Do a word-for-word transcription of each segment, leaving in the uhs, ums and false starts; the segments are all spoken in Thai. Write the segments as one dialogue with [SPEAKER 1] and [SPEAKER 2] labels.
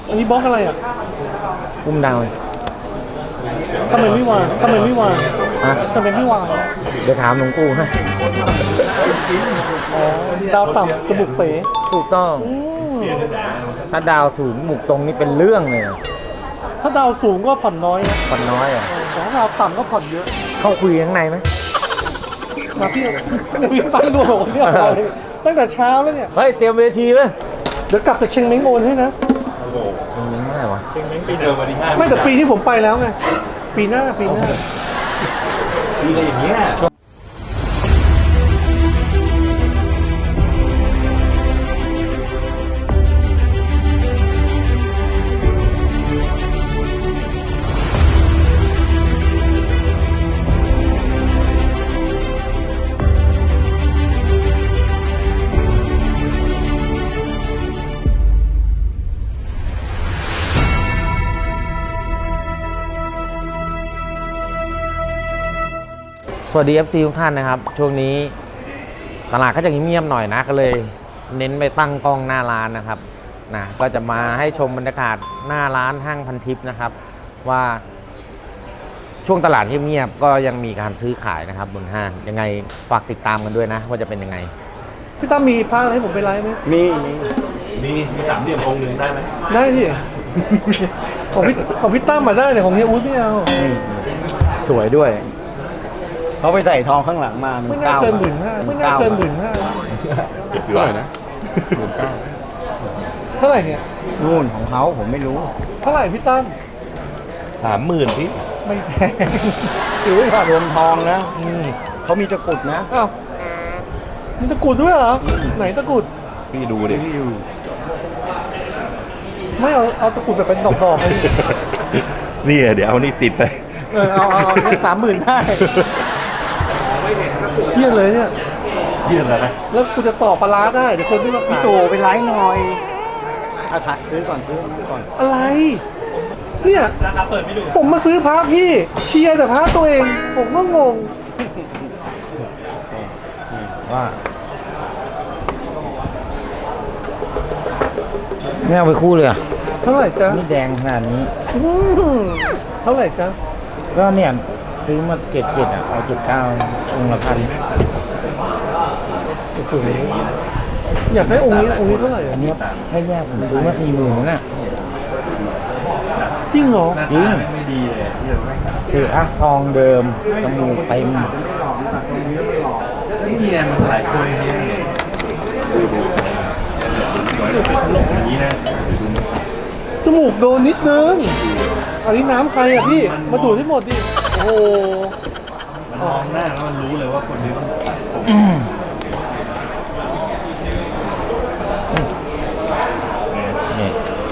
[SPEAKER 1] อันนี้บล็อกอะไรอ่ะ
[SPEAKER 2] อุ้มดาว
[SPEAKER 1] ทำไมไม่วางทำไมไม่วาง
[SPEAKER 2] ฮะ
[SPEAKER 1] ทำไมไม่วาง
[SPEAKER 2] เดี๋ยวถามหลวงปู่ให้
[SPEAKER 1] อ๋อดาวต่ำจมูกเป๋
[SPEAKER 2] ถูกต้องถ้าดาวสูงหมุกตรงนี่เป็นเรื่องเลย
[SPEAKER 1] ถ้าดาวสูงก็ผ่อนน้อยนะ
[SPEAKER 2] ผ่อนน้อยอ่ะ
[SPEAKER 1] แต่ถ้าดาวต่ำก็ผ่อนเยอะ
[SPEAKER 2] เข้าคุยข้างในไหม
[SPEAKER 1] มาพี่พี่ปั้นรวมเนี่ยตั้งแต่เช้าแล้วเนี่ย
[SPEAKER 2] เฮ้ยเตรียมเวทีไหม
[SPEAKER 1] เดี๋ยวกลับจากเชียงเม้งโอนให้นะ
[SPEAKER 2] เชียงเม้งเมื่อไหร่วะ
[SPEAKER 3] เชียงเม้งปีเดิมวันที่ห้า
[SPEAKER 1] ไม่แต่ปีที่ผมไปแล้วไงปีหน้าปีหน้า
[SPEAKER 3] ปีอะไรอย่างเงี้ย
[SPEAKER 2] สวัสดี เอฟ ซี ทุกท่านนะครับช่วงนี้ตลาดก็จะเงียบๆหน่อยนะก็เลยเน้นไปตั้งกล้องหน้าร้านนะครับนะก็จะมาให้ชมบรรยากาศหน้าร้านห้างพันทิพย์นะครับว่าช่วงตลาดเงียบๆก็ยังมีการซื้อขายนะครับบนห้างยังไงฝากติดตามกันด้วยนะว่าจะเป็นยังไง
[SPEAKER 1] พี่ตั้มมีผ้าอะไรให้ผมไปไลฟ์ไหม
[SPEAKER 3] มีมีมีสามเหลี่ยมองค์หนึ่งได้ไหม
[SPEAKER 1] ได้ที่ของพี่ของพี่ตั้มมาได้แต่ของเฮียอุ้ยไม่เอา
[SPEAKER 2] สวยด้วย
[SPEAKER 4] เขาไปใส่ทองข้างหลังมา
[SPEAKER 1] ไม่น่าเกินหมื่นห้าไม่น่าเกินหมื่นห้า
[SPEAKER 3] เก็บอยู่เลยนะหมื่นเก้า
[SPEAKER 1] เท่าไหร่เนี่ย
[SPEAKER 4] นู่นของเขาผมไม่รู้
[SPEAKER 1] เท่าไหร่พี่ตั้ม
[SPEAKER 3] สามหมื่นพี่
[SPEAKER 1] ไม่แพง
[SPEAKER 4] ถือว่ารวมทองนะเขามีตะกุดนะ
[SPEAKER 1] อ้าวมีตะกุดด้วยเหรอไหนตะกุด
[SPEAKER 3] พี่ดูดิ
[SPEAKER 1] ไม่เอาเอาตะกุดแบบเป็นดอกๆเลย
[SPEAKER 3] นี่เดี๋ยวเอานี่ติดไป
[SPEAKER 1] เออเอาเอาเอาสามหมื่นได้เครียดเลยเนี่ย
[SPEAKER 3] เครียดแล้วนะ
[SPEAKER 1] แล้วกูจะต่อปลาร้าได้เดี๋ยวคนไม่มาขาย
[SPEAKER 4] พี่ตู่ไปไลฟ์หน่อยอาถ่ายซื้อก่อนซื้อก่อน
[SPEAKER 1] อะไรเนี่ยผมมาซื้อพระพี่เชียร์แต่พระตัวเองผมก็งง
[SPEAKER 2] ว่าไม่เอาไปคู่เลยอ่ะ
[SPEAKER 1] เท่าไหร่จ๊ะ
[SPEAKER 2] นี่แดงขนาดนี้
[SPEAKER 1] เท่าไหร่จ๊ะ
[SPEAKER 2] ก็เนี่ยซื้อมาเจ็ดเจ็ดอ่ะเอาเจ็ดเก้าองค์ละพัน
[SPEAKER 1] อยากได้องค์นี้องค์นี้เท่าไหร่
[SPEAKER 2] อันนี้แค่แยกผมซื้อมาสี่หมื่นนั่นน่ะ
[SPEAKER 1] จริงเหรอ
[SPEAKER 2] จริง
[SPEAKER 3] ไม่ดีเลย
[SPEAKER 2] คืออ่ะซองเดิมจมูกเต็ม
[SPEAKER 3] นี่ไงมันหลายคนเนี่ยดูดูอย่างนี้นะ
[SPEAKER 1] จมูกโดนนิดนึงอันนี้น้ำใครอ่ะพี่มาดูดให้หมดดิโอ้โห
[SPEAKER 3] มองหน้าแล้วมันรู้เลยว่าคนนี้มัน
[SPEAKER 2] นี่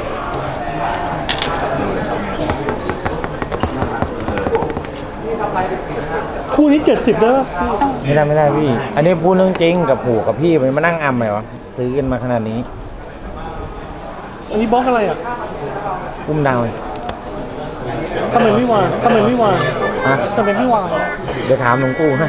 [SPEAKER 1] คู่นี้เจ็ดสิบได้ป่ะ
[SPEAKER 2] ไม่ได้ไม่ได้พี่อันนี้พูดเรื่องจริงกับผูกับพี่มันมานั่งอำไหมวะซื้อกันมาขนาดนี้
[SPEAKER 1] อันนี้บล็อกอะไรอ่ะ
[SPEAKER 2] อุ้มดาว
[SPEAKER 1] ทำไมไม่วางทำไมไม่วาง
[SPEAKER 2] ฮะ
[SPEAKER 1] ทำไมไม่วาง
[SPEAKER 2] เดี๋ยวถามหลวงปู่ให้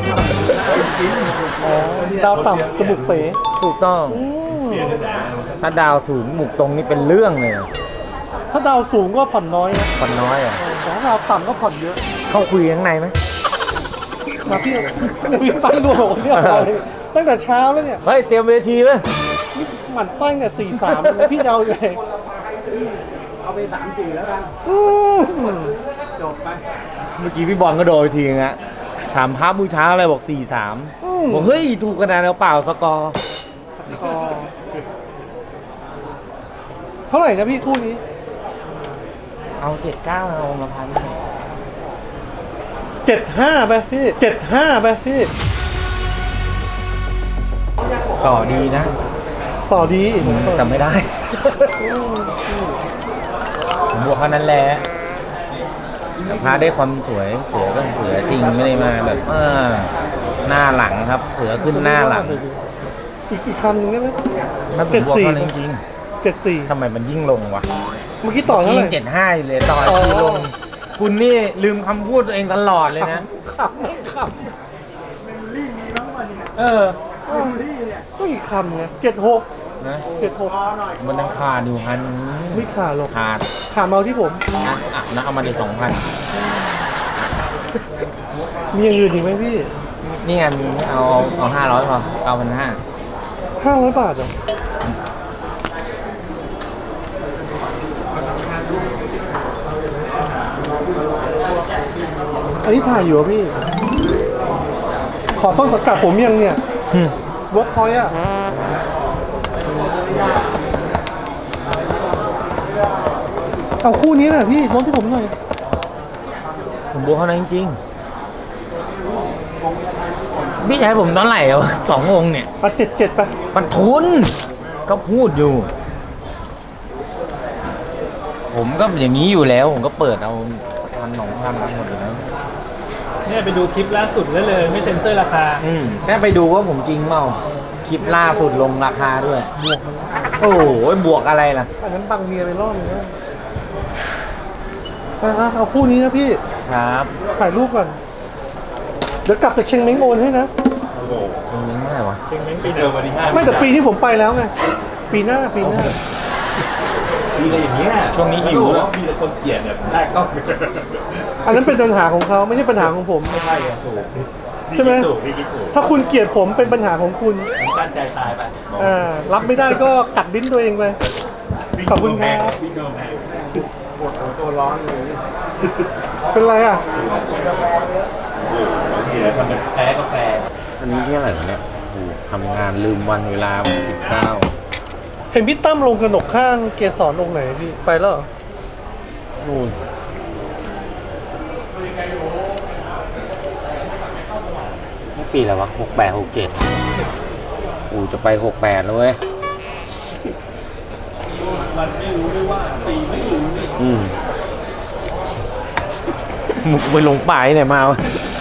[SPEAKER 1] อ๋อดาวต่ำจมูกเป๋
[SPEAKER 2] ถูกต้องถ้าดาวสูงหมุกตรงนี่เป็นเรื่องเลย
[SPEAKER 1] ถ้าดาวสูงก็ผ่อนน้อยนะ
[SPEAKER 2] ผ่อนน้อยอ่ะ
[SPEAKER 1] แต่ถ้าดาวต่ำก็ผ่อนเยอะ
[SPEAKER 2] เข้าคุยข้างในไหม
[SPEAKER 1] มาพี่พี่ปั้นรวมเนี่ยตั้งแต่เช้าแล้วเนี่ย
[SPEAKER 2] เฮ้ยเตรียมเวทีไหม
[SPEAKER 1] นี่หมัดไส้เนี่ยสี่สามเลยพี่เดาเลย
[SPEAKER 4] เอาไปสามสี่แล้วกันจบไป
[SPEAKER 2] เมื่อกี้พี่บอลก็โดนทีนึงอะถามพระบูชาอะไรบอกสี่สามบอกเฮ้ยถูกขนาดแล้วเปล่าสกอร์
[SPEAKER 1] เท่าไหร่นะพี่คู่นี้
[SPEAKER 2] เอาเจ็ดเก้าเอาละพัน
[SPEAKER 1] เจ็ดห้าไปพี่เจ็ดห้าไปพี่
[SPEAKER 2] ต่อดีนะ
[SPEAKER 1] ต่อดี
[SPEAKER 2] แต่ไม่ได้ผมบอกแค่นั้นแหละพาได้ความสวยเสือก็เสือจริงไม่ได้มาแบบเออหน้าหลังครับเสือขึ้นหน้าหลัง
[SPEAKER 1] อีกอีกคำหนึ่งได้ไหม
[SPEAKER 2] เจ็ดสี่จริง
[SPEAKER 1] เจ็ดสี่
[SPEAKER 2] ทำไมมันยิ่งลงวะ
[SPEAKER 1] เมื่อกี้ต่อเท่าไหร่
[SPEAKER 2] เจ็ดห้าเลยต่อที่ลงคุณนี่ลืมคำพูดตัวเองตลอดเลยนะ
[SPEAKER 1] ขับไม่ขับเมมโมรี่มีบ้างวะเนี่ยเออเมมโมรี่เนี่ยก็อีกคำไงเจ็ดหก
[SPEAKER 2] นะ
[SPEAKER 1] เจ็ดหก
[SPEAKER 2] มันยังขาดอยู่พัน
[SPEAKER 1] ไม่ขาดหรอก
[SPEAKER 2] ขาด
[SPEAKER 1] ขาเมาที่ผม
[SPEAKER 2] นะอ่ะนะเอามาได้สองพัน
[SPEAKER 1] มีอย่างอื่นอีกไหมพี่
[SPEAKER 2] นี่ไงมีเอาเอาห้าร้อยพอเก้าพันห้า
[SPEAKER 1] ห้าร้อยบาทเหรออันนี้ถ่ายอยู่เหรอพี่ ขอต้นสังกัดผมยังเนี่ยเวิร์กพอยต์อะเอาคู่นี้แหละพี่ลดที่ผมหน่อย
[SPEAKER 2] ผมบวกเขานะจริงๆพี่จะให้ผมตอนไหร่เอาสององค์เนี่ย
[SPEAKER 1] อ่ะเจ็ดเจ็ดไป
[SPEAKER 2] มันทุนก็พูดอยู่ ผมก็อย่างนี้อยู่แล้ว ผมก็เปิดเอาพันสองพันหมดอยู่แล้ว
[SPEAKER 3] เนี่ยไปดูคลิปล่าสุดได้เลยไม่เซ็นเซอร์ราคา
[SPEAKER 2] อืมแค่ไปดูว่าผมจริงเปล่าคลิปล่าสุดลงราคาด้วย
[SPEAKER 1] บวกมัน
[SPEAKER 2] โอ้โหบวกอะไรล่ะ
[SPEAKER 1] อันนั้นบังเมียไปรอบนึงนะอ่ะเอาคู่นี้นะพี่
[SPEAKER 2] ครับ
[SPEAKER 1] ถ่ายรูปก่อน เดี๋ยวกลับจากเชียงเม้งโอนให้นะ
[SPEAKER 2] จริงเมื่อไหร่วะ
[SPEAKER 3] เพ่งเม้งปีเดิมวันที่ห้า
[SPEAKER 1] ไม่แต่ปีที่ผมไปแล้วไง ปีหน้าปีหน้า
[SPEAKER 3] ปีอะไรอย่างเงี้ย
[SPEAKER 2] ช่วงนี้หิว
[SPEAKER 3] แล้วมีแต่คนเกลียดแบบแรกก็
[SPEAKER 1] อันนั้นเป็นปัญหาของเขาไม่ใช่ปัญหาของผม
[SPEAKER 3] ไม่ใช่อะถูก
[SPEAKER 1] ใช่ไหม
[SPEAKER 3] ถูกพี่คิดถูก
[SPEAKER 1] ถ้าคุณเกลียดผมเป็นปัญหาของคุณ
[SPEAKER 3] ผมกั้นใจตายไป
[SPEAKER 1] อ่า รับไม่ได้ก็กัดดิ้นตัวเองไป ขอบคุณครับ
[SPEAKER 3] พี่โจแพง
[SPEAKER 4] ปวดหัวตัวร้อนเลย
[SPEAKER 1] เป็นไรอ่ะ
[SPEAKER 3] พี่เลยทำเป็นแพ้กาแฟ
[SPEAKER 2] อันนี้ที่อะไรวะเนี่ยโอ้โหทำงานลืมวันเวลาสิบเก้า
[SPEAKER 1] เห็นพี่ตั้มลงกระหนกข้างเกสรองค์ไหนพี่ ไปแล้วเหรอ
[SPEAKER 2] นู่นนี่ปีอะไรวะหกแปดหกเจ็ดอูจะไปหกแปดแล้วเว้ย
[SPEAKER 3] มันไม่รู้ด้วยว่าปีไม่รู้นี่
[SPEAKER 2] อืมมุกไปลงป่ายเนี่ยมาวะ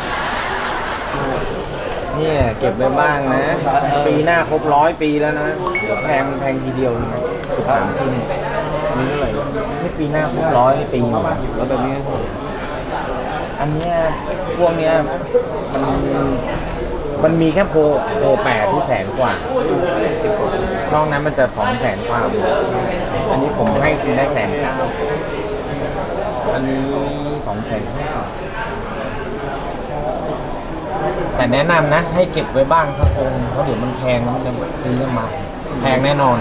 [SPEAKER 2] เนี่ยเก็บไว้บ้างนะ ปีหน้าครบร้อยปีแล้วนะเดี๋ยวแพงแพงทีเดียวนะสิบสามปีนี่อันนี้เท่าไหร่นี่ปีหน้าครบร้อยปีแล้วแบบนี้อันเนี้ยพวกเนี้ยมันมันมีแค่โพโพแปดที่แสนกว่านอกนั้นมันจะสองแสนกว่าอันนี้ผมให้คุณได้แสนเก้าอันนี้สองแสนห้าแต่แนะนำนะ ให้เก็บไว้บ้างสักองค์เพราะเดี๋ยวมันแพงมันจะซื้อมาแพงแน่นอน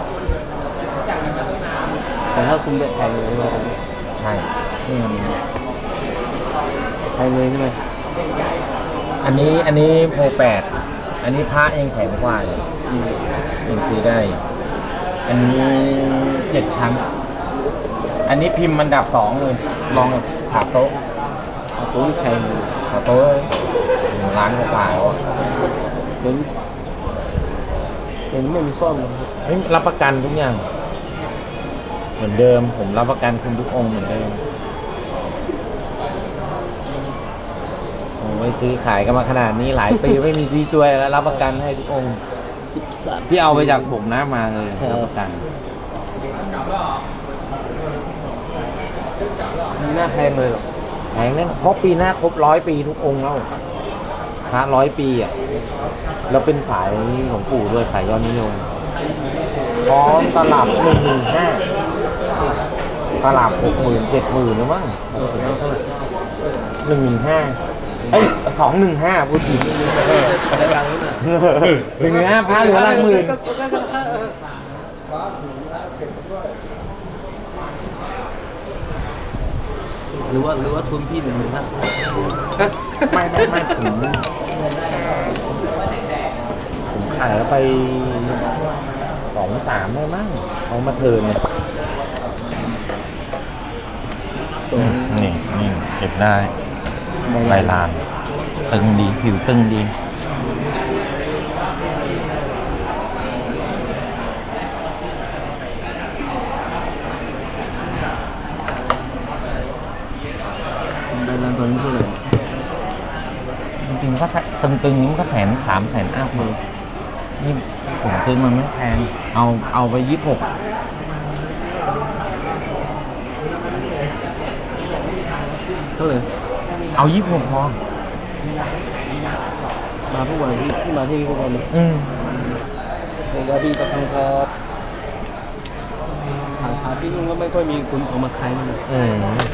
[SPEAKER 4] แต่ถ้าคุณได้แพงเลย
[SPEAKER 2] ใช่นี่มัน
[SPEAKER 4] แพงเลยใช่ไหม
[SPEAKER 2] อันนี้อันนี้โพแปดอันนี้พระเองแสนกว่าเลยยังซื้อได้ อันนี้เจ็ดชั้น อันนี้พิมพ์มันดับสองเลย ลองขาโต๊ะ
[SPEAKER 4] ตัวนี้แพง
[SPEAKER 2] ขาโต๊ะร้านกว่าๆอ่ะ
[SPEAKER 4] เดี๋ยวนี้เดี๋ยวนี้ไม่มีซ่อมเลย
[SPEAKER 2] เฮ้ยรับประกันทุกอย่าง เหมือนเดิม ผมรับประกันคุณทุกองค์เหมือนเดิมโอ้ยซื้อขายกันมาขนาดนี้หลายปี ไม่มีที่ช่วยแล้วรับประกันให้ทุกองค์
[SPEAKER 4] สิบสาม
[SPEAKER 2] ที่เอาไปจากผมนะมาเลยรับประกัน
[SPEAKER 4] มีหน้าแพงเลยหรอ
[SPEAKER 2] แพงแน่นเพราะปีหน้าครบร้อยปีทุกองค์แล้วพระร้อยปีอ่ะแล้วเป็นสายหลวงปู่ด้วยสายยอดนิยมพร้อมตลับหนึ่งหมื่นห้าตลับหกหมื่นเจ็ดหมื่นหรือมั้งหนึ่งหมื่นห้าเอ้ยสองหนึ่งห้าพูดผิด
[SPEAKER 4] ได้รังนี้นะ
[SPEAKER 2] หนึ่งหมื่นห้าพระเหลือหลักหมื่น
[SPEAKER 4] หรือว่าหรือว่าทุนพี่หนึ่งหมื่นห้า
[SPEAKER 2] ไม่ไม่ไม่ผมผมขายแล้วไปสองสามได้มั้งเอามาเทิร์นเนี่ยนี่นี่เก็บได้ใบลาน ตึงดี ผิวตึงดี
[SPEAKER 4] ได้รังตัวนี้เท่าไหร่
[SPEAKER 2] จริงๆก็ตึงๆนี้มันก็แสนสามแสนอัพเลยนี่ผมซื้อมันไม่แพง เอาเอาไปยี่สิบหก
[SPEAKER 4] เท่าไหร่
[SPEAKER 2] เอายี่สิบหกพอ
[SPEAKER 4] มาทุกวันที่ที่มาที่นี่ทุกวันเลย
[SPEAKER 2] อืม
[SPEAKER 3] เดี๋ยวพี่กับทางครับหาหาที่นู่นก็ไม่ค่อยมีคุณเอามาขายเลย
[SPEAKER 2] อืม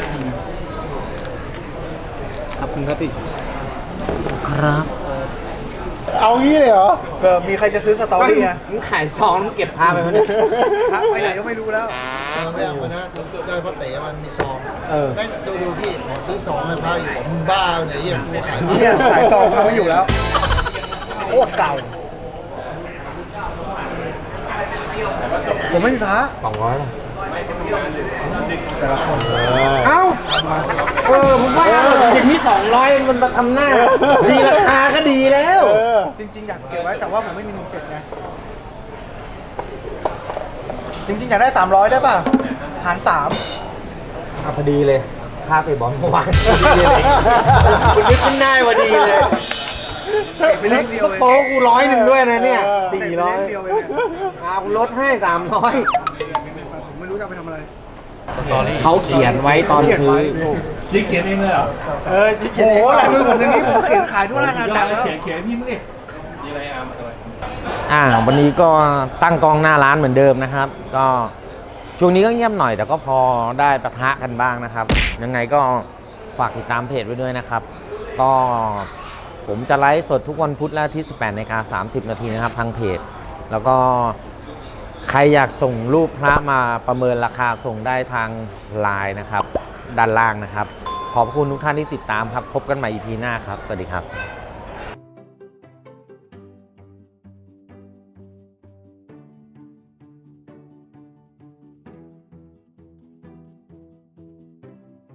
[SPEAKER 3] ขอบคุณครับพี่
[SPEAKER 2] ครับ
[SPEAKER 1] เอางี้เลยเหรอเออมีใครจะซื้อสตอรี่ไง
[SPEAKER 2] มึงขายซองมึงเก็บพาไปมันย
[SPEAKER 1] พระไปไหนก็ไม่รู้แล้ว
[SPEAKER 4] เออไม่เอาคนนะได้เพราะเต๋มันมีซอง
[SPEAKER 1] เออ
[SPEAKER 4] แม่งดูดูพี่ขอซื้อซองเลยพระอยู่มึงบ้าเนี่ยเหี้ยกูขายพระ
[SPEAKER 1] เนี่ยสายซองทำไม่อยู่แล้วโคตรเก่า ผมไม่มีพระ
[SPEAKER 2] สองร้อยป่ะ
[SPEAKER 1] แต่ละคน
[SPEAKER 2] เอ้า เออผมว่าอย่างนี้สองร้อยมันมาทำหน้า ดีราคาก็ดีแล้ว
[SPEAKER 1] จริงๆอยากเก็บไว้แต่ว่าผมไม่มีหนึ่งเจ็ดไงจริงๆอยากได้สามร้อยได้ป่ะหารสาม
[SPEAKER 2] อ่ะพอดีเลย ค่าเตะบอลเมื่อวานคุณนึกขึ้นได้พอดีเลย
[SPEAKER 1] เก็บไปเล่นเดียวเอง
[SPEAKER 2] โต๊ะกูร้อยหนึ่งด้วยนะเนี่ย
[SPEAKER 1] เตะ
[SPEAKER 2] สี่
[SPEAKER 1] ไป
[SPEAKER 2] ร้อ
[SPEAKER 1] เล่
[SPEAKER 2] ย
[SPEAKER 1] นเดียวเองเนี่ย
[SPEAKER 2] อากูลดให้สามร้อย
[SPEAKER 1] ผมไม่รู้จะเอาไปทำอะไร
[SPEAKER 3] สตอรี่
[SPEAKER 2] เขาเขียนไว้ตอน
[SPEAKER 1] เขียน
[SPEAKER 2] ซื้อ
[SPEAKER 1] ไว้
[SPEAKER 3] จิ๊กเขียนเองเลยเหรอ
[SPEAKER 1] เออโอ้โหหลายมือผมอย่างนี้ผมเขียนขายทั่วราชอาณาจักรแล้ว
[SPEAKER 3] เขียนเขียนพี่มึงดิมีอะไรอาร์มอะไร
[SPEAKER 2] อ่าวันนี้ก็ตั้งกองหน้าร้านเหมือนเดิมนะครับ ก็ช่วงนี้ก็เงียบหน่อยแต่ก็พอได้ปะทะกันบ้างนะครับ ยังไงก็ฝากติดตามเพจไว้ด้วยนะครับ ก็ผมจะไลฟ์สดทุกวันพุธและที่สิบแปดนาฬิกาสามสิบนาทีนะครับทางเพจ แล้วก็ใครอยากส่งรูปพระมาประเมินราคาส่งได้ทางไลน์นะครับ ด้านล่างนะครับ ขอบคุณทุกท่านที่ติดตามครับ พบกันใหม่ อี พี หน้าครับ สวัสดีครับ